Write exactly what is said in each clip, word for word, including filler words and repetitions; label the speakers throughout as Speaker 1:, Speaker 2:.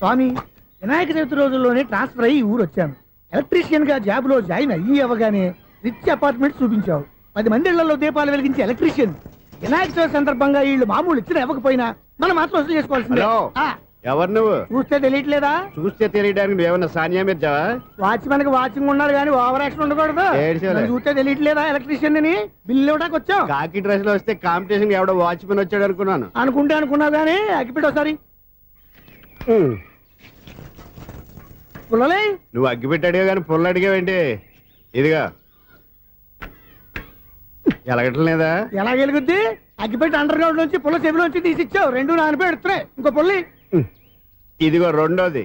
Speaker 1: స్వామి, వినాయక చవితి రోజుల్లోనే ట్రాన్స్ఫర్ అయ్యి ఊరు వచ్చాను. ఎలక్ట్రీషియన్ గా జాబ్ లో జాయిన్ అయ్యి అవ్వగానే రిచ్ అపార్ట్మెంట్ చూపించావు. పది మంది ఇళ్లలో దీపాలు వెలిగించే ఎలక్ట్రీషియన్. వినాయక చవితి సందర్భంగా వీళ్ళు మామూలు ఇచ్చిన ఇవ్వకపోయినా మనం మాత్రం వసూలు చేసుకోవాల్సిందే.
Speaker 2: ఎవరు నువ్వు?
Speaker 1: చూస్తే తెలియట్లేదా?
Speaker 2: చూస్తే తెలియడానికి నువ్వేమన్నా సానియా మీర్జావా?
Speaker 1: వాచ్మెన్ కి వాచింగ్ ఉన్నారు కానీ ఓవర్ యాక్షన్ ఉండకూడదు. చూస్తే తెలియట్లేదా ఎలక్ట్రీషియన్ అని? బిల్లు ఇవ్వడానికి వచ్చావు.
Speaker 2: కాకి డ్రెస్ లో వస్తే కాంపిటీషన్ ఎవడో వాచ్మెన్ వచ్చాడు అనుకున్నాను.
Speaker 1: అనుకుంటే అనుకున్నావు కానీ అగ్గిపెట్టి ఒకసారి. పుల్లలే
Speaker 2: నువ్వు అగ్గిపెట్టి అడిగా కానీ పుల్ల అడిగావేంటి? ఇదిగా ఎలగటం లేదా?
Speaker 1: ఎలా వెలుగుద్ది? అగ్గిపెట్టి అండర్ గ్రౌండ్ నుంచి పుల్ల చెవిలోంచి తీసి ఇచ్చావు. రెండు నాన్నపై ఎడుతున్నాయి. ఇంకో పుల్లి
Speaker 2: ఇదిగో రెండోది.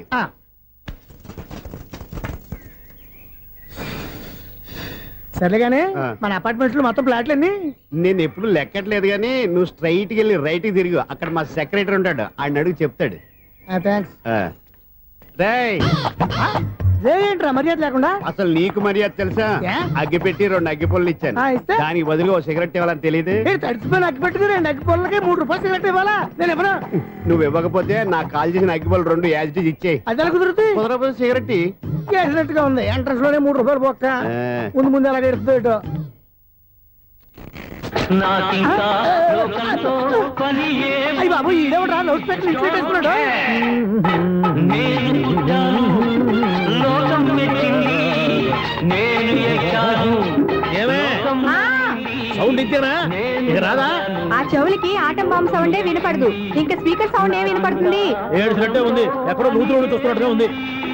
Speaker 1: సరేగానే మన అపార్ట్మెంట్స్ లో మొత్తం ఫ్లాట్లు అన్ని
Speaker 2: నేను ఎప్పుడు లెక్కట్లేదు కానీ నువ్వు స్ట్రైట్ కి వెళ్ళి రైట్ కి తిరిగి అక్కడ మా సెక్రటరీ ఉంటాడు, ఆయన అడుగు చెప్తాడు.
Speaker 1: ఏంట్రా మర్యాద లేకుండా?
Speaker 2: అసలు నీకు మర్యాద తెలుసా? అగ్గి పెట్టి రెండు అగ్గి పొల్లు ఇచ్చాను, దానికి బదులు ఓ సిగరెట్ ఇవ్వాలని తెలియదు.
Speaker 1: తడిచిపోయిన అగ్గి పెట్టి రెండు అగ్గి పొల్లకి మూడు రూపాయలు సిగరెట్ ఇవ్వాలా? నేను ఇవ్వను.
Speaker 2: నువ్వు ఇవ్వకపోతే నాకు కాల్ చేసిన అగ్గి పొల్లు రెండు యాజిటీస్ ఇచ్చేయి.
Speaker 1: అది ఎలా కుదురుతుంది?
Speaker 2: కుదరకపోతే సిగరెట్
Speaker 1: వేసినట్టు గా ఉంది. ఎంట్రన్స్ లోనే మూడు రూపాయలు పోక్క ముందు ముందు ఎలా ఎడుతుంది ఇటు. అయ్యి బాబు ఈడేవడా లౌడ్ స్పీకర్ ఇన్స్టేట్ వేసుకున్నాడు. సౌండ్ ఇచ్చానా? ఇక రాదా?
Speaker 3: ఆ చెవులకి ఆటం బాంబు సౌండే వినపడదు, ఇంకా స్పీకర్ సౌండ్ ఏ వినపడుతుంది?
Speaker 1: ఏడుసినట్టే ఉంది, ఎక్కడో నూతులు చూస్తున్నట్టుగా ఉంది.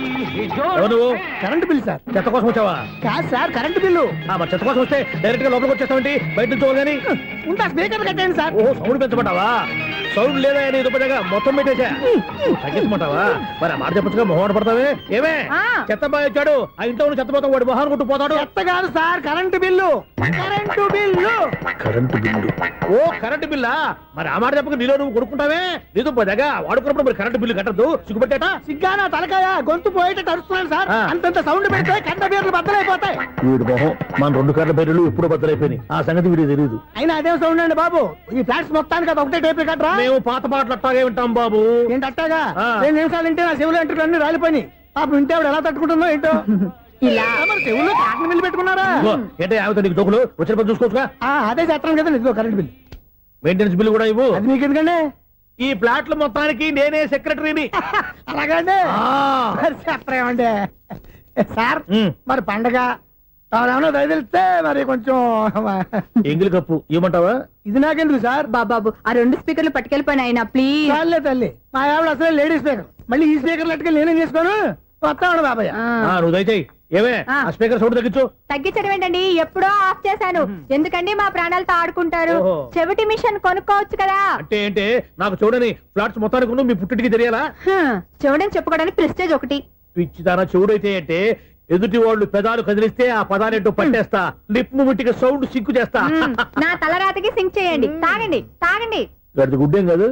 Speaker 1: నువ్వు కరెంట్ బిల్ సార్? చెత్త కోసం వచ్చావా? కాదు సార్, కరెంట్ బిల్లు. మరి చెత్త కోసం వస్తే డైరెక్ట్ గా లోపలికి వచ్చేస్తామండి, బయట నుంచి కానీ ఉంటా. స్పీకర్ కట్టండి సార్. ఓ సౌండ్ పెంచమంటావా? సౌండ్ లేదా అని దుప్పగా మొత్తం పెట్టేసా. తగ్గించమంటావా? మరి ఆ మాట చెప్పచ్చుగా, మొహమాట పడతావే. ఏమే చెత్త బాగా వచ్చాడు, ఆ ఇంట్లో చెత్త పోతాం, వాడు మొహాన్ని కొట్టు పోతాడు. చెత్త కాదు sir, current bill. Current bill. Current bill. ఓ కరెంటు బిల్లా? మరి ఆ మాట చెప్పక నీలో నువ్వు కొడుకుంటావే. నీతో పోదాగా వాడుకున్నప్పుడు మరి కరెంటు బిల్లు కట్టద్దు. సిగ్గుపెట్టేట? సిగ్గానా తలకాయ? గొంతు పోయేటట్టు అరుస్తున్నాను సార్. అంతంత సౌండ్ పెడితే కంట బీర్లు బద్దలైపోతాయి. వీడు మొహం మన రెండు కర్ర బీర్లు ఎప్పుడు బద్దలైపోయినాయి, ఆ సంగతి వీడికి తెలియదు. అయినా అదే సౌండ్ అండి బాబు. ఈ ఫ్లాట్స్ మొత్తానికి అది ఒకటే టేప్ కట్టరా? మేము పాత పాటలు అట్టాగే వింటాం బాబు. ఏంటి అట్టాగా? రెండు నిమిషాలు వింటే నా చెవులు ఎంటర్ అన్ని రాలిపోయి. పాపం వింటే ఆవిడ ఎలా తట్టుకుంటుందో ఏంటో. ఇలా మరి చెవుల్లో కాటన్ బిల్లు పెట్టుకున్నారా? ఏంటో ఆమెతో నీకు దోకులు వచ్చిన పని చూసుకోవచ్చుగా. అదే చేస్తాను కదా. ఇదిగో కరెంట్ బిల్, మెయింటెనెన్స్ బిల్లు కూడా ఇవ్వు. అది మీకు ఎందుకండి? ఈ ఫ్లాట్ల మొత్తానికి నేనే సెక్రటరీని. అలాగండి. చెప్పరేమండి సార్? మరి పండగ ఏమన్నా దయదలిస్తే మరి కొంచెం ఎంగిలి కప్పు ఇవ్వమంటావా? ఇది నాకెందుకు సార్?
Speaker 3: బాబాబు ఆ రెండు స్పీకర్లు పట్టుకెళ్ళిపోయిన ఆయన ప్లీజ్.
Speaker 1: చాలే తల్లి, మా ఆవిడ అసలే లేడీ స్పీకర్, మళ్ళీ ఈ స్పీకర్ లెట్టుకెళ్ళి నేనేం చేసుకోను. వస్తాడు బాబాయ్. నువ్వు దయచేయి. ఏమే ఆ స్పీకర్ సౌండ్ తగ్గించు.
Speaker 3: తగ్గించడం ఏంటండి, ఎప్పుడో ఆఫ్ చేశాను. ఎందుకండి మా ప్రాణాలతో ఆడుకుంటారు? చెవిటి మిషన్ కొనుక్కోవచ్చు కదా.
Speaker 1: అంటే ఏంటే నాకు చూడని ఫ్లాట్స్ మొత్తానికి మీ పుట్టింటికి తెలియాలా?
Speaker 3: చెవుడని చెప్పుకోవడానికి ప్రెస్టేజ్ ఒకటి.
Speaker 1: పిచ్చిదానా చెవుడైతే అంటే ఎదుటి వాళ్ళు పెదాలు కదిలిస్తే ఆ పదాలేంటో పట్టేస్తా, లిప్ ముట్టికి సౌండ్ సింకు చేస్తా.
Speaker 3: నా తలరాతకి సింక్ చేయండి. తాగండి తాగండి.
Speaker 1: గడిది గుడ్డేం కాదు.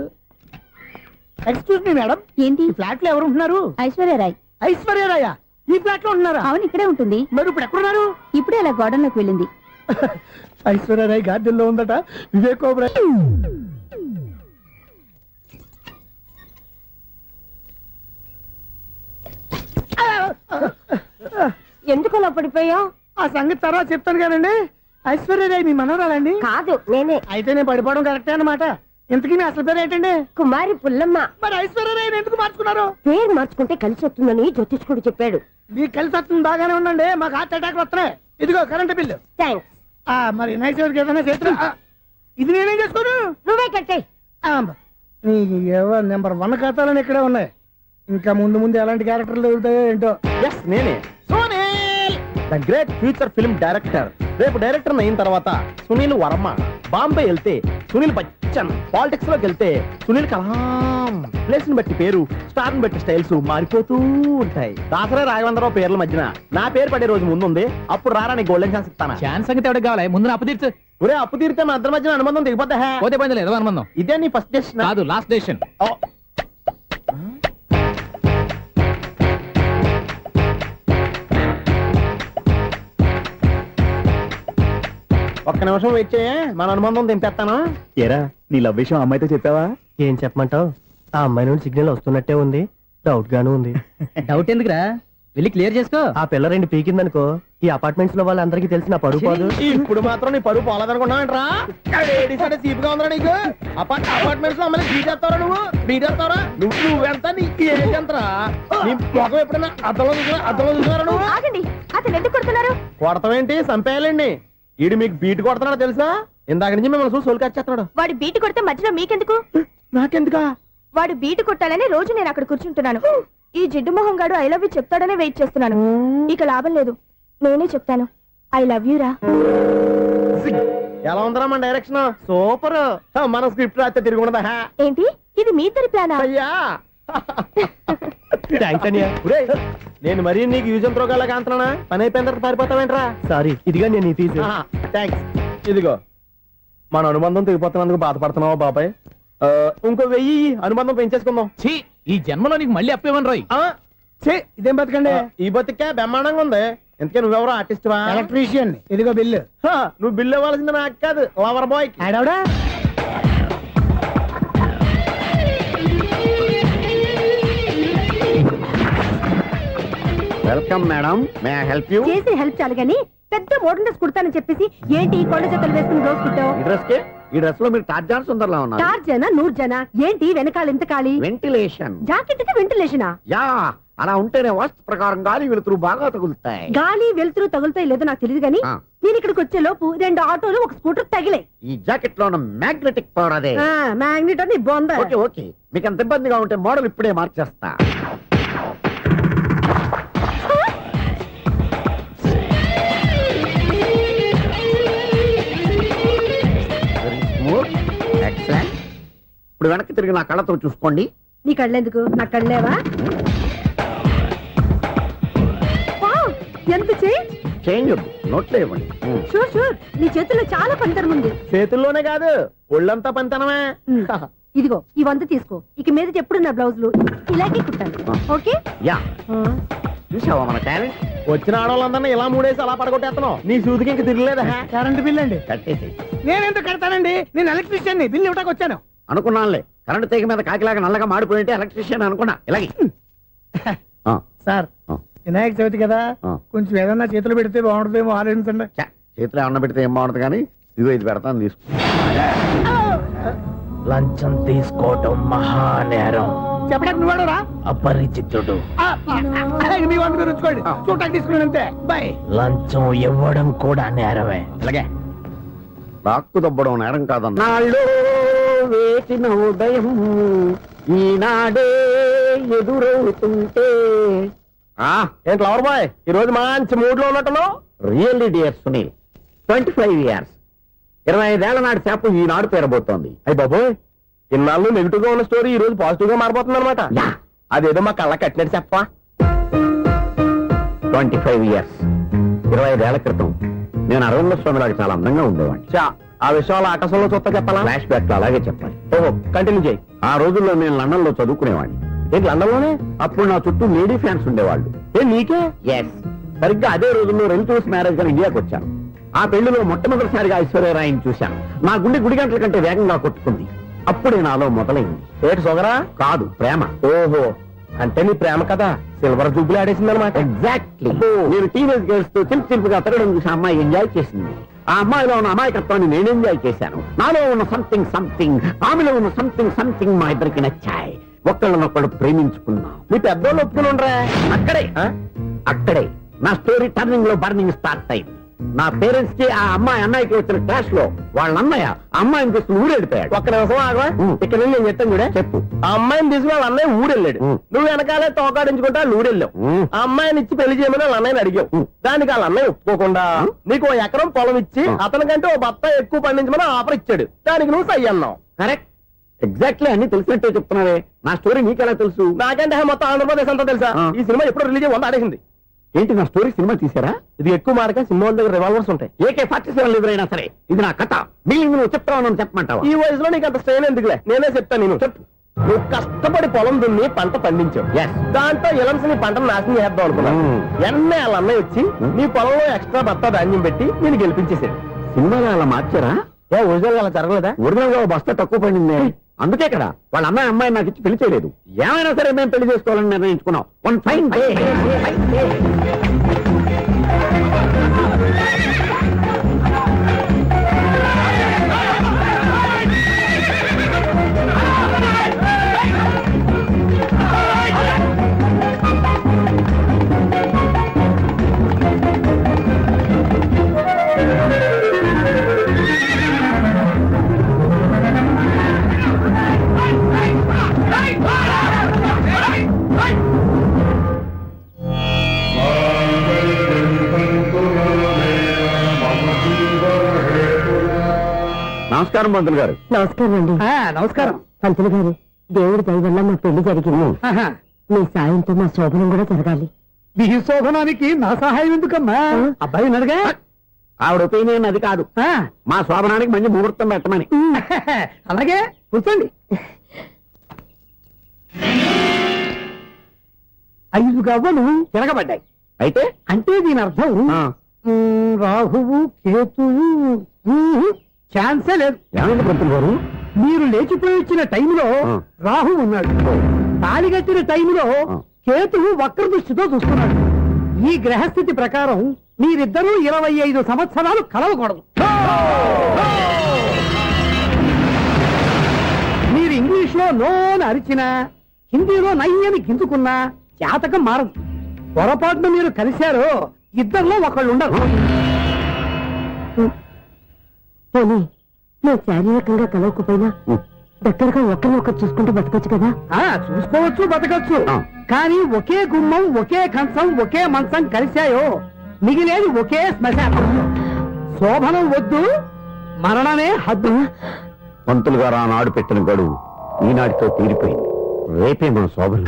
Speaker 1: ఎక్స్క్యూజ్ మీ మేడం,
Speaker 3: ఏంటి
Speaker 1: ఫ్లాట్ లో ఎవరు ఉంటున్నారు?
Speaker 3: ఐశ్వర్యరాయ్.
Speaker 1: ఐశ్వర్యరాయ ఈ ఫ్లాట్ లో ఉంటున్నారా?
Speaker 3: అవును, ఇక్కడే ఉంటుంది.
Speaker 1: మరి ఇప్పుడు ఎక్కడున్నారు?
Speaker 3: ఇప్పుడే అలా గార్డెన్ లోకి వెళ్ళింది.
Speaker 1: ఐశ్వర్యరాయ్ గార్డెన్ లో ఉందట. వివేక్ ఓబరాయ్
Speaker 3: ఎందుకు అలా పడిపోయావు?
Speaker 1: ఆ సంగతి తర్వాత చెప్తాను కానండి. ఐశ్వర్యరాయ్ మీ మనవరాలండి?
Speaker 3: కాదు, నేనే.
Speaker 1: అయితే నేను పడిపోవడం కరెక్టే అన్నమాట. ఇంతకీ మీ అసలు పేరు ఏంటండి?
Speaker 3: కుమారి పుల్లమ్మ.
Speaker 1: మరి ఐశ్వర్యరాయ్ ఎందుకు మార్చుకున్నారు?
Speaker 3: పేరు మార్చుకుంటే కలిసి వస్తుందని జ్యోతిష్కుడు చెప్పాడు.
Speaker 1: మీకు కలిసి వస్తుంది, బాగానే ఉండండి. మాకు హార్ట్ అటాక్ వస్తున్నాయి. ఇదిగో కరెంట్ బిల్లు.
Speaker 3: థ్యాంక్స్.
Speaker 1: మరి నైట్ ఎవరికి ఏదైనా చేస్తున్నా ఇది నేనేం చేసుకోను.
Speaker 3: నువ్వే కట్టే.
Speaker 1: నీకు నెంబర్ వన్ ఖాతాలని ఇక్కడే ఉన్నాయి. ఇంకా ముందు ముందు ఎలాంటి క్యారెక్టర్లు దొరుకుతాయో ఏంటో.
Speaker 4: ఎస్ నేనే, the great future film director. రేపు డైరెక్టర్ అయిన తర్వాత సునీల్ వర్మ. బాంబే వెళ్తే సునీల్ బచ్చన్, పాలిటిక్స్ లోకి వెళ్తే సునీల్ కలాం. ప్లేస్ ని బట్టి పేరు, స్టార్ ని బట్టి స్టైల్స్ మారిపోతూ ఉంటాయి. దాసరా రాఘవేంద్రరావు పేర్ల మధ్యన నా పేరు పడే రోజు ముందుంది. అప్పుడు రారా నీ గోల్డెన్ ఛాన్స్ ఇస్తానా?
Speaker 5: ఛాన్స్ సంగతి ఎవరికి కావాలి? ముందు అప్పు తీర్చు.
Speaker 4: ఒరే అప్పు తీరితే మా ఇద్దరి మధ్యన అనుబంధం దిగిపోతా.
Speaker 5: పోతే పని లేదు అనుబంధం.
Speaker 4: ఇదే నీ ఫస్ట్ డెసిషన్
Speaker 5: కాదు, లాస్ట్ డెసిషన్.
Speaker 4: ఒక్క నిమిషం వెయిట్ చేయ, మన అనుబంధం దింపేస్తాను.
Speaker 6: ఏరా నీ లవ్ విషయం అమ్మాయితో చెప్పావా?
Speaker 4: ఏం చెప్పమంటావు? ఆ అమ్మాయి నుండి సిగ్నల్ వస్తున్నట్టే ఉంది. డౌట్ గాను ఉంది.
Speaker 5: డౌట్ ఎందుకురా వెళ్ళి క్లియర్ చేసుకో.
Speaker 4: ఆ పిల్ల రెండు పీకిందనుకో ఈ అపార్ట్మెంట్స్ లో వాళ్ళందరికీ తెలిసిన పరుగు పోదు. ఇప్పుడు మాత్రం నీ పరుగు పోలేదనుకున్నావంటరా? సీపుగా ఉందా నీకు? అపార్ట్మెంట్స్ లో అమ్మని బీటేస్తావరా నువ్వు? బీటేస్తావరా నువ్వు? నువ్వెంత నీ ఏజ్ ఎంతరా? నీ మొఖం ఎప్పుడైనా అద్దంలో చూసినా అద్దంలో చూసినారా నువ్వు?
Speaker 3: ఆగండి, అతను ఎందుకు కొడుతున్నారు?
Speaker 4: కొడతావేంటి? చంపేయాలండి. ఈడు మీకు బీట్ కొడుతున్నాడు తెలుసా? ఇందాక నుంచి మిమ్మల్ని చూసి సోలు కచ్చేస్తున్నాడు.
Speaker 3: వాడు బీటు కొడితే మధ్యలో మీకెందుకు?
Speaker 4: నాకెందుకా?
Speaker 3: వాడు బీటు కొట్టాలని రోజు నేను అక్కడ కూర్చుంటున్నాను. ఈ జిడ్డు మొహం గాడు ఐ లవ్ యూ చెప్తాడనే వెయిట్ చేస్తున్నాను. ఇక లాభం లేదు, నేనే చెప్తాను ఐ లవ్ యూ రా.
Speaker 4: ఎలా ఉందరా మన డైరెక్షన్? సూపర్. మన స్క్రిప్ట్ రాస్తే తిరిగి ఉండదా?
Speaker 3: ఏంటి ఇది మీ ఇద్దరి ప్లానా?
Speaker 4: అయ్యా థ్యాంక్స్ అనియా. నేను మరీ నీకు యూజ్ ఎంతో గలగా అంటున్నా. పని అయిపోయిన తర్వాత పారిపోతావేంట్రా? సారీ, ఇదిగా నేను ఈ ఫీజు. థ్యాంక్స్. ఇదిగో మన అనుబంధం తెగిపోతున్నందుకు బాధపడుతున్నావా బాబాయ్? ఆ, ఇంకో వెయ్యి ఇయ్యి, అనుబంధం పెంచేసుకుందాం.
Speaker 5: ఛీ, ఈ జన్మలో నీకు మళ్ళీ అప్పేవన్ రాయ్.
Speaker 4: ఆ, ఛీ, ఇదేం బతకండి? ఈ బతికే బ్రహ్మాండంగా ఉంది. ఎందుకే నువ్వెవరో ఆర్టిస్ట్ వా?
Speaker 1: ఎలక్ట్రీషియన్. ఇదిగో బిల్లు.
Speaker 4: హా, నువ్వు బిల్లు ఇవ్వాల్సింది నాకు కాదు, లవర్ బాయ్.
Speaker 1: ఆడవడా?
Speaker 2: Welcome madam, may I help you?
Speaker 3: చేసి హెల్ప్ చాలు గాని పెద్ద మోడల్ డ్రెస్ కుడతానని చెప్పేసి ఏంటి ఈ కొండ జతలు వేసుకుని రోజు కుట్టావు?
Speaker 2: ఈ డ్రెస్ కే ఈ డ్రెస్ లో మీరు టార్జాన్ సుందర్లా ఉన్నారు.
Speaker 3: చార్ జన నూరు జన ఏంటి వెనకాల ఎంత ఖాళీ?
Speaker 2: వెంటిలేషన్.
Speaker 3: జాకెట్ కి వెంటిలేషనా?
Speaker 2: యా, అలా ఉంటేనే వాస్తు ప్రకారం గాలి వెలుతురు బాగా తగులుతాయి.
Speaker 3: గాలి వెలుతురు తగులుతాయి లేదో నాకు తెలియదు గాని
Speaker 2: ఆ.
Speaker 3: నేను ఇక్కడికి వచ్చే లోపు రెండు ఆటోలు ఒక స్కూటర్ తగిలే.
Speaker 2: ఈ జాకెట్ లో ఉన్న మ్యాగ్నెటిక్ పవర్ అదే.
Speaker 3: మ్యాగ్నెట్ అని బొంద.
Speaker 2: ఓకే ఓకే, మీకు అంత ఇబ్బందిగా ఉంటే మోడల్ ఇప్పుడే మార్చేస్తా. ఎక్సలెంట్. ఇప్పుడు వెనక్కి తిరిగి నా కళ్ళతో చూసుకోండి.
Speaker 3: నీ కళ్ళెందుకు? నా కళ్ళేవా? వావ్, ఎంత చేంజ్.
Speaker 2: చేంజ్ నోట్లో ఇవ్వండి.
Speaker 3: షూర్ షూర్, నీ చేతుల్లో చాలా పంతరం ఉంది.
Speaker 4: చేతుల్లోనే కాదు ఒళ్ళంతా పంతనమే.
Speaker 3: ఉమ్, ఇదిగో ఈ వంద తీసుకో. ఇక మీద ఎప్పుడు నా బ్లౌజులు ఇలాగే కుట్టాను. ఓకే?
Speaker 2: యా, చూసావా మన టాలెంట్?
Speaker 4: వచ్చిన ఆడవాళ్ళందరినీ ఇలా మూడేసి అలా పడగొట్టేస్తున్నావు. నీ సూదికి ఇంక తిరగలేదా?
Speaker 1: కరెంట్ బిల్ అండి.
Speaker 2: కట్టేసి
Speaker 1: నేనెందుకు కడతానండి? నేను ఎలక్ట్రీషియన్. బిల్ ఇవ్వడానికి వచ్చాను.
Speaker 2: అనుకున్నానులే, కరెంట్ తీగ మీద కాకిలాగా నల్లగా మాడిపోయింటే ఎలక్ట్రీషియన్ అనుకున్నా. ఇలాగే ఆ,
Speaker 1: సార్,
Speaker 2: ఆ.
Speaker 1: వినాయక చవితి కదా,
Speaker 2: ఆ.
Speaker 1: కొంచెం ఏదన్నా చేతులు పెడితే బాగుంటుందేమో ఆలోచించండి.
Speaker 2: ఛ, చేతిలో అన్న పెడితే ఏం బాగుంటుంది కానీ ఇదిగో ఇది పెడతాను తీసుకో.
Speaker 4: లంచం తీసుకోవటం మహానేరం.
Speaker 1: చెప్పడానికి నువ్వాడరా?
Speaker 4: అపరిచితుడు.
Speaker 1: మీ వంద మీరు ఉంచుకోండి, చూడటానికి తీసుకున్నాను అంతే. బాయ్.
Speaker 4: లంచం ఇవ్వడం కూడా నేరమే.
Speaker 2: ఇలాగే రాక్కు దబ్బడం నేరం కాదన్న. నాళ్ళు వేసిన ఉదయం ఈనాడే ఎదురవుతుంటే.
Speaker 4: ఏంటి లవర్ బాయ్, ఈ రోజు మంచి మూడ్ లో ఉన్నట్టును?
Speaker 2: Really dear Sunil, twenty five years ఇరవై ఐదేళ్ల నాటి చేప ఈనాడు పేరబోతోంది.
Speaker 4: అయ్యి బాబోయ్, ఇన్నాళ్ళు నెగిటివ్ గా ఉన్న స్టోరీ ఈ రోజు పాజిటివ్ గా మారిపోతుంది అనమాట.
Speaker 2: యా,
Speaker 4: అదేదో మా కళ్ళ కట్టినట్టు చెప్పా.
Speaker 2: ట్వంటీ ఫైవ్ ఇయర్స్ ఇరవై ఐదేళ్ల క్రితం నేను అరవింద స్వామిలాగా చాలా అందంగా ఉండేవాడిని.
Speaker 4: చా, ఆ విషయాలు ఆకాశంలో చూస్తా చెప్పాలా?
Speaker 2: ఫ్లాష్ బ్యాక్ లో అలాగే చెప్పాలి.
Speaker 4: ఓహో, కంటిన్యూ చేయి.
Speaker 2: ఆ రోజుల్లో నేను లండన్ లో చదువుకునేవాడిని.
Speaker 4: ఏంటి లండన్ లోనే?
Speaker 2: అప్పుడు నా చుట్టూ లేడీ ఫ్యాన్స్ ఉండేవాళ్ళు.
Speaker 4: ఏ నీకే?
Speaker 2: ఎస్, సరిగ్గా అదే రోజుల్లో రిలేటివ్స్ మ్యారేజ్ గా ఇండియాకి వచ్చాను. ఆ పెళ్లిలో మొట్టమొదటిసారిగా ఐశ్వర్యరాయని చూశాను. నా గుండె గుడి గంటల కంటే వేగంగా కొట్టుకుంది. అప్పుడే నాలో మొదలైంది.
Speaker 4: ఏటి సొగరా?
Speaker 2: కాదు, ప్రేమ.
Speaker 4: ఓహో, అంటే నీ ప్రేమ కదా సిల్వర్ జూబ్లీ ఆడేసింది అనమాట.
Speaker 2: ఎగ్జాక్ట్లీ. నేను టీనేజ్ గర్ల్స్ తో చిలిపి చిలిపిగా తిరగడం చూసి ఆ అమ్మాయి ఎంజాయ్ చేసింది. ఆ అమ్మాయిలో ఉన్న అమాయకత్వాన్ని నేను ఎంజాయ్ చేశాను. నాలో ఉన్న సంథింగ్ సంథింగ్, ఆమెలో ఉన్న సంథింగ్ సంథింగ్ మా ఇద్దరికి నచ్చాయి. ఒక్కళ్ళనొక్కడు ప్రేమించుకున్నాం.
Speaker 4: మీ పెద్దోళ్ళు ఒప్పుకుని ఉండరా?
Speaker 2: అక్కడే అక్కడే నా స్టోరీ టర్నింగ్ లో బర్నింగ్ స్టార్ట్ అయింది. నా పేరెంట్స్ కి ఆ అమ్మాయి అన్నయ్యకి వచ్చిన క్లాష్ లో వాళ్ళ అన్నయ్య ఆ అమ్మాయిని తీసుకుని ఊరెళ్ళిపోయాడు.
Speaker 4: ఒక్క నిమిషం ఆగవా?
Speaker 2: ఉం.
Speaker 4: ఇక్కడ నుండి నేను చెప్తాను కూడా.
Speaker 2: చెప్పు.
Speaker 4: ఆ అమ్మాయిని తీసుకుని వాళ్ళ అన్నయ్య ఊరెళ్ళాడు.
Speaker 2: ఉం.
Speaker 4: నువ్వు వెనకాలే తోకాడించుకుంటా ఊరెళ్ళావు.
Speaker 2: ఉం.
Speaker 4: ఆ అమ్మాయిని ఇచ్చి పెళ్లి చేయమని వాళ్ళ అన్నయ్యని అడిగావు.
Speaker 2: ఉం.
Speaker 4: దానికి వాళ్ళ అన్నయ్య ఒప్పుకోకుండా
Speaker 2: ఉం.
Speaker 4: నీకు ఓ ఎకరం పొలం ఇచ్చి
Speaker 2: ఉం.
Speaker 4: అతనికంటే ఓ బత్త ఎక్కువ పండించమని ఆఫర్ ఇచ్చాడు. దానికి నువ్వు సై అన్నావు.
Speaker 2: కరెక్ట్, ఎగ్జాక్ట్లీ అన్ని తెలిసినట్టే చెప్తున్నావే. నా స్టోరీ నీకెలా తెలుసు?
Speaker 4: నాకంటే మొత్తం ఆంధ్రప్రదేశ్ అంతా తెలుసా?
Speaker 2: ఆ.
Speaker 4: ఈ సినిమా ఎప్పుడు రిలీజ్ అయ్యి వంద ఆడేసింది.
Speaker 2: ఏంటి, నా స్టోరీ సినిమా తీసారా?
Speaker 4: ఇది ఎక్కువ మార్క సినిమా వాళ్ళ దగ్గర రివాల్వర్స్ ఉంటాయి.
Speaker 2: ఏకే ఫార్టీ సెవెన్ ఎదురైనా సరే ఇది నా కథ. మిగిలింది నువ్వు చెప్తావు, నన్ను చెప్పమంటావా?
Speaker 4: ఈ వయసులో నీకు అంత స్ట్రెయిన్ ఎందుకులే, నేనే చెప్తాను. నేను చెప్పు. నువ్వు కష్టపడి పొలం దున్ని పంట పండించావు.
Speaker 2: Yes.
Speaker 4: దాంతో ఇలమ్స్ నీ పంటను నాశనం చేద్దాం అనుకున్నావు.
Speaker 2: Hmm.
Speaker 4: ఎన్నే వాళ్ళ అన్నయ్య వచ్చి
Speaker 2: Hmm.
Speaker 4: నీ పొలంలో ఎక్స్ట్రా బత్తా ధాన్యం పెట్టి నేను గెలిపించేసాడు.
Speaker 2: సినిమాలో అలా మార్చారా?
Speaker 4: ఏ ఒరిజినల్ అలా జరగలేదా?
Speaker 2: ఒరిజినల్ గా ఓ బస్తా తక్కువ పడింది. అందుకే కదా వాళ్ళ అమ్మాయి అమ్మాయి నాకు ఇచ్చి పెళ్లి చేయలేదు. ఏమైనా సరే మేము పెళ్లి చేసుకోవాలని నిర్ణయించుకున్నాం. వన్ ఫైన్ డే నమస్కారం పంతులు గారు.
Speaker 6: నమస్కారం అండి.
Speaker 1: నమస్కారం.
Speaker 6: పంతులు గారు, దేవుడి దయ వల్ల మా పెళ్లి జరిగింది. మీ సాయంతో మా శోభనం కూడా జరగాలి.
Speaker 1: మీ శోభనానికి నా సహాయం ఎందుకమ్మా? అబ్బాయి ఉన్నాడుగా.
Speaker 2: ఆవిడ ఒపీనియన్ అది కాదు, మా శోభనానికి మంచి ముహూర్తం పెట్టమని.
Speaker 1: అలాగే కూర్చోండి. ఐదు గవ్వలు తిరగబడ్డాయి.
Speaker 2: అయితే
Speaker 1: అంటే దీని అర్థం
Speaker 2: ఆ,
Speaker 1: ఉమ్, రాహువు కేతువు ఉమ్, ఛాన్సే లేదు.
Speaker 2: ఏమైంది పంతులు గారు?
Speaker 1: మీరు లేచిపోయి వచ్చిన టైంలో
Speaker 2: ఆ.
Speaker 1: రాహు ఉన్నాడు. తాళి కట్టిన టైంలో
Speaker 2: ఆ.
Speaker 1: కేతువు వక్ర దృష్టితో చూస్తున్నాడు. ఈ గ్రహస్థితి ప్రకారం మీరిద్దరూ ఇరవై ఐదు సంవత్సరాలు కలవకూడదు. మీరు ఇంగ్లీష్ లో నో అని అరిచినా, హిందీలో నయ్యని గింజుకున్నా జాతకం మారదు. పొరపాటున మీరు కలిశారో ఇద్దరిలో ఒకళ్ళు ఉండరు.
Speaker 6: పోనీ మేము శారీరకంగా కలవకపోయినా
Speaker 2: ఉమ్,
Speaker 6: దగ్గరగా ఒకరిని ఒకరు చూసుకుంటూ బతకొచ్చు కదా.
Speaker 1: ఆ చూసుకోవచ్చు, బతకచ్చు.
Speaker 2: ఆ.
Speaker 1: కానీ ఒకే గుమ్మం, ఒకే కంచం, ఒకే మంచం కలిశాయో మిగిలేది ఒకే శ్మశానం. శోభనం వద్దు, మరణమే హద్దు.
Speaker 2: పంతులు గారు ఆనాడు పెట్టిన గడువు ఈనాటితో తీరిపోయింది. రేపే మన శోభనం.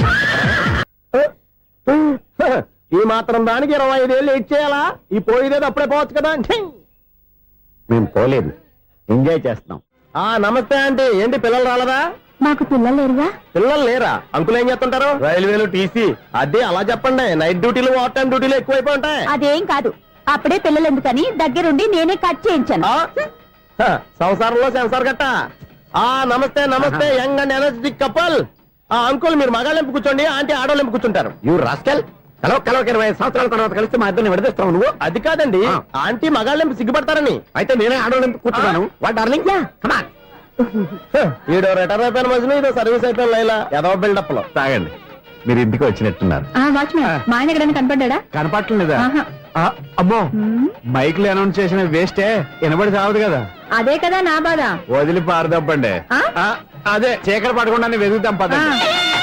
Speaker 4: ఈ మాత్రం దానికి ఇరవై ఐదేళ్ళు ఇచ్చేయాలా? ఈ పోయేదేది అప్పుడే పోవచ్చు కదా.
Speaker 2: మేము పోలేదు, ఎంజాయ్ చేస్తున్నాం.
Speaker 4: ఆ నమస్తే ఆంటీ. ఏంటి పిల్లలు రాలదా?
Speaker 6: మాకు పిల్లలు లేరుగా.
Speaker 4: పిల్లలు లేరా? అంకులు ఏం చేస్తుంటారు? రైల్వేలు, టీసీ. అదే అలా చెప్పండి. నైట్ డ్యూటీలు, ఓవర్ టైం డ్యూటీలు ఎక్కువైపోయి ఉంటాయి.
Speaker 6: అదేం కాదు, అప్పుడే పిల్లలు ఎందుకని దగ్గరుండి నేనే కట్ చేయించాను.
Speaker 4: ఆ? హ, సంసారంలో సెన్సార్ గట్ట. ఆ నమస్తే నమస్తే, యంగ్ అండ్ ఎనర్జెటిక్ కపుల్. ఆ అంకుల్ మీరు మగాళ్ళెంపు కూర్చోండి, ఆంటీ ఆడోళ్ళెంపు కూర్చుంటారు.
Speaker 2: యూ రాస్కెల్, కలవ కలవక ఇరవై ఐదు సంవత్సరాల తర్వాత కలిస్తే మా ఇద్దరిని విడదీస్తావు నువ్వు.
Speaker 4: అది కాదండి,
Speaker 2: ఆ.
Speaker 4: ఆంటీ మగాళ్ళెంపు సిగ్గుపడతారని.
Speaker 2: అయితే నేనే ఆడవాళ్ళని కూర్చున్నాను. What darling, come on.
Speaker 4: ఈడో రిటైర్ అయిపోయిన మధ్యలో ఇదో సర్వీస్ అయిపోయిన లైలా ఏదో బిల్డప్ లో.
Speaker 2: తాగండి, మీరు ఇంటికి వచ్చినట్టున్నారు.
Speaker 6: వాచ్మెన్ మా ఆయన ఎక్కడైనా కనపడ్డా?
Speaker 2: కనపడలేదా?
Speaker 6: ఆహా.
Speaker 2: అమ్మో, మైక్ లో అనౌన్స్ చేసిన వేస్టే, వినబడి సావదు కదా.
Speaker 6: అదే కదా నా బాధ.
Speaker 2: వదిలి పారదప్పండి.
Speaker 6: ఆ?
Speaker 2: ఆ, అదే చీకటి పడకుండా వెతుకుతాం పదండి.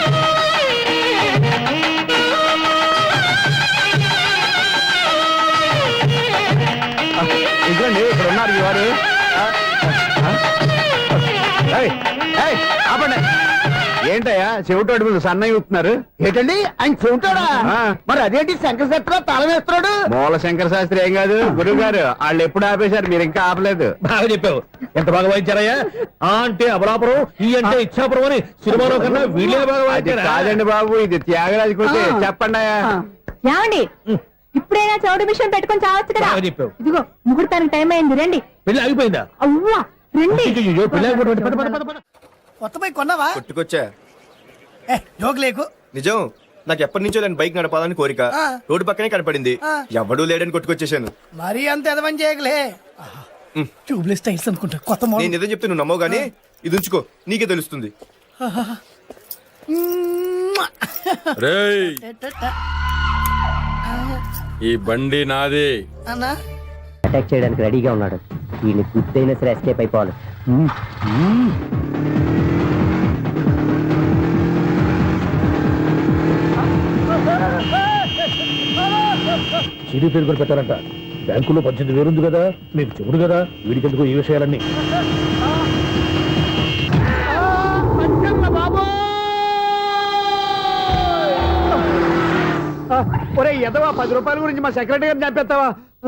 Speaker 2: ఇదిగోండి, ఇక్కడ ఉన్నారు ఈ వారు. ఆ, ఆ, ఏయ్, ఏయ్, ఆపండి. ఏంటయ్యా చెవిటోడి మీద సన్నయ్య ఊపుతున్నారు?
Speaker 1: ఏంటండి ఆయన చెబుతాడా?
Speaker 2: ఆ.
Speaker 1: మరి అదేంటి శంకర శెట్టిలో తాళం వేస్తున్నాడు?
Speaker 2: మూల శంకర శాస్త్రి ఏం కాదు గురువు గారు, వాళ్ళు ఎప్పుడు ఆపేశారు, మీరు ఇంకా ఆపలేదు.
Speaker 1: బాగా చెప్పావు. ఎంత బాగా వాయించారయ్యా. ఆ అంటే అబలాపురం, ఈ అంటే ఇచ్చాపురం అని సినిమాలో కన్నా వీళ్ళే బాగా
Speaker 2: అది
Speaker 1: వాయించారా?
Speaker 2: కాదండి బాబు, ఇది త్యాగరాజు కొట్టి.
Speaker 1: ఆ.
Speaker 2: చెప్పండి అయ్యా.
Speaker 6: ఏమండి, ఇప్పుడైనా చౌడు మిషన్ పెట్టుకొని చావచ్చు కదా.
Speaker 1: బాగా చెప్పావు.
Speaker 6: ఇదిగో ముహూర్తానికి టైం అయింది, రండి.
Speaker 1: పెళ్లి ఆగిపోయిందా?
Speaker 6: అవ్వా రండి.
Speaker 1: అయ్యయ్యో, పెళ్లి ఆగిపోయింది. పద, పద, పద, పద.
Speaker 7: కొత్త బైక్ కొన్నావా?
Speaker 8: కొట్టుకొచ్చా.
Speaker 7: ఏ జోక్ లేకు.
Speaker 8: నిజం, నాకు ఎప్పటి నుంచో దాని బైక్ నడపాలని కోరిక.
Speaker 7: ఆ.
Speaker 8: రోడ్డు పక్కనే కనపడింది,
Speaker 7: ఆ.
Speaker 8: ఎవడూ లేడని కొట్టుకొచ్చేసాను.
Speaker 7: మరీ అంత ఎదవని చేయగలే. ట్యూబ్లెస్ టైల్స్ అనుకుంటా కొత్త
Speaker 8: నేను
Speaker 7: మోడల్.
Speaker 8: నిజం చెప్తే నువ్వు నమ్మవు గానీ ఇది ఉంచుకో, నీకే తెలుస్తుంది.
Speaker 9: రేయ్, ఈ బండి నాది.
Speaker 7: అన్నా
Speaker 5: అటాక్ చేయడానికి రెడీగా ఉన్నాడు. వీళ్ళని గుద్దైనా సరే ఎస్కేప్ అయిపోవాలి.
Speaker 1: సిడీ పేరు కూడా పెట్టారంట. బ్యాంకులో పద్దెనిమిది వేలుంది కదా, మీకు చెబుడు కదా, వీడికెందుకు ఈ విషయాలన్నీ. ఒరే ఎదవా, పది రూపాయల గురించి మా సెక్రటరీ గారిని చంపేస్తావా?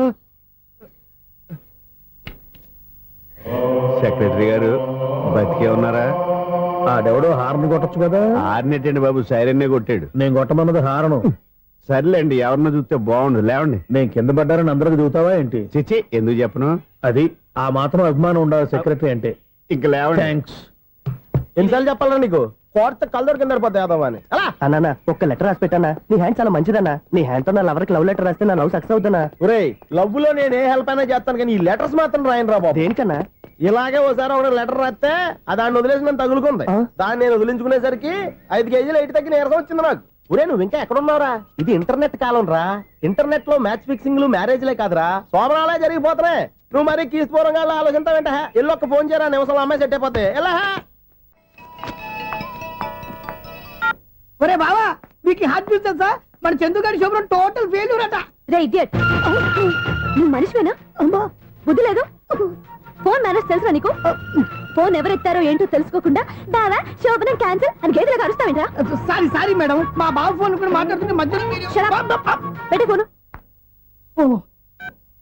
Speaker 2: సెక్రటరీ గారు బతికే ఉన్నారా?
Speaker 1: ఆడెవడో హార్న్ కొట్టచ్చు కదా.
Speaker 2: ఆరినట్టండి బాబు, సైరన్నే కొట్టాడు.
Speaker 1: నేను కొట్టమన్నది హారను.
Speaker 2: సర్లేండి, ఎవరినో చూస్తే బాగుండు. లేవండి.
Speaker 1: నేను కింద పడ్డారని అందరికి దిగుతావా ఏంటి?
Speaker 2: చిచ్చి, ఎందుకు చెప్పను?
Speaker 1: అది ఆ మాత్రం అభిమానం ఉండాలి సెక్రటరీ అంటే.
Speaker 2: ఇంక లేవండి.
Speaker 1: థ్యాంక్స్.
Speaker 4: ఎన్నిసార్లు చెప్పాలరా నీకు కోర్త కలర్ కింద పడిపోతాయి యాదవ్ అని అలా అన్నా ఒక్క లెటర్ రాసి పెట్టానా నీ హ్యాండ్ చాలా మంచిదన్నా నీ హ్యాండ్ తో నా లవర్కి లవ్ లెటర్ రాస్తే నా లవ్ సక్సెస్ అవుతానా ఒరే లవ్ లో నేను ఏ హెల్ప్ అయినా చేస్తాను కానీ ఈ లెటర్స్ మాత్రం రాయను రా బాబు దేనికన్నా ఇలాగే ఒకసారి ఒక లెటర్ రాస్తే ఆ దాన్ని వదిలేసి నన్ను తగులుకుంది దాన్ని నేను వదిలించుకునేసరికి ఐదు కేజీలు ఎయిట్ తగ్గి నీరసం వచ్చింది నాకు ఒరే నువ్వు ఇంకా ఎక్కడున్నావురా ఇది ఇంటర్నెట్ కాలం రా ఇంటర్నెట్ లో మ్యాచ్ ఫిక్సింగ్లు మ్యారేజ్లే కాదురా సోమనాలే జరిగిపోతున్నాయి నువ్వు మరి కీస్పూరంగా ఆలోచించావంట ఎల్లు ఒక్క ఫోన్ చేయరా నిమిషంలో అమ్మాయి సెట్ అయిపోతే ఎలా
Speaker 7: ఒరే బావా మీకు హార్ట్ చూస్తా సార్ మన చందుగారి శుభ్రం టోటల్ ఫెయిల్యూర్ అట
Speaker 3: రే ఇడియట్ నువ్వు మనిషివేనా అమ్మా బుద్ధి లేదు ఫోన్ మేనేజ్ తెలుసా నీకు ఫోన్ ఎవరెత్తారో ఏంటో తెలుసుకోకుండా బావా శోభనం క్యాన్సిల్ అని గేదెలకు అరుస్తావేంట్రా
Speaker 7: సారీ సారీ మేడం మా బావ ఫోన్ కూడా మాట్లాడుతుంటే మధ్యలో మీరు-
Speaker 3: పెట్టే ఫోను
Speaker 7: ఓ